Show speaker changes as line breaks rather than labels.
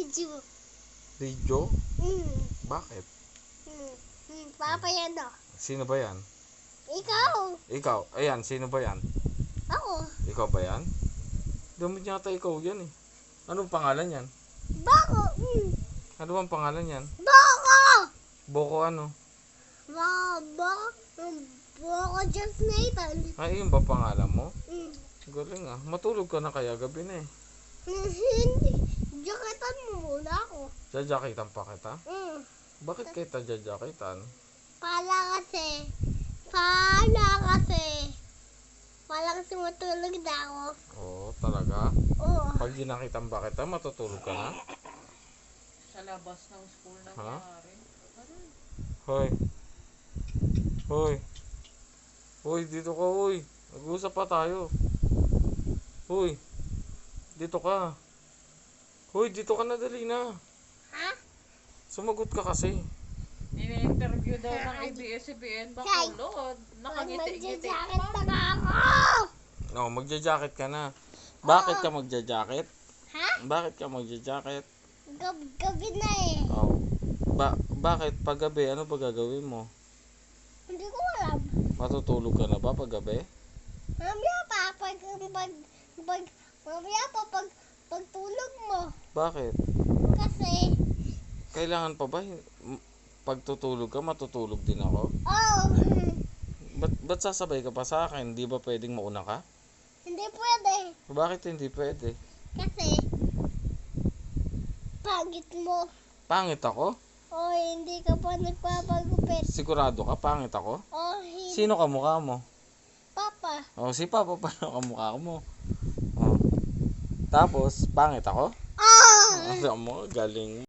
video.
Video?
Mm.
Bakit?
Papa yan o.
Sino ba yan?
Ikaw.
Ikaw? Ayan, sino ba yan?
Ako.
Ikaw ba yan? Damit yata ikaw yan eh. Anong pangalan yan?
Bako.
Ano bang pangalan yan?
Bako.
Boko ano?
Bako just Nathan.
Ay, yun ba pangalan mo?
Mm.
Galing ah. Matulog ka na kaya gabi na eh.
Hindi. Jaketan mo muna ako.
Jajakitan pa kita?
Mm.
Bakit kita jajakitan?
Pala kasi matulog na ako.
Oo, talaga?
Oo.
Pag ginakitan ba kita, matutulog ka na?
Sa labas ng school na
Ha?
nangyari.
Hoy. Hoy. Hoy, dito ka, hoy. Nag-uusap pa tayo. Hoy. Dito ka. Hoy, dito ka na, dali na.
Ha?
Sumagot ka kasi.
Ini-interview daw ng ABS-CBN Bacolod. Nakangiti-ngiti
Magjajacket
pa.
na ako.
No, magja-jacket ka na. Bakit ka magja-jacket?
Ha?
Bakit ka magja-jacket?
Gabi na eh.
Oh. Bakit pag gabi, ano ba gagawin mo?
Hindi ko alam.
Matutulog ka na ba pag gabi?
Mamaya pa pag tulog mo.
Bakit?
Kasi,
Kailangan pa ba? Pag tutulog ka, matutulog din ako?
oh,
Ba't sasabay ka pa sa akin? Di ba pwedeng mauna ka?
hindi pwede.
Bakit hindi pwede?
Kasi, pangit mo.
Pangit ako?
O, hindi ka pa nagpapagupit.
Sigurado ka? Pangit ako?
O, hindi.
Sino kamukha mo?
Papa.
Oh, si Papa pa kamukha mo. Oh. Tapos, pangit ako?
Oh!
Alam mo, galing.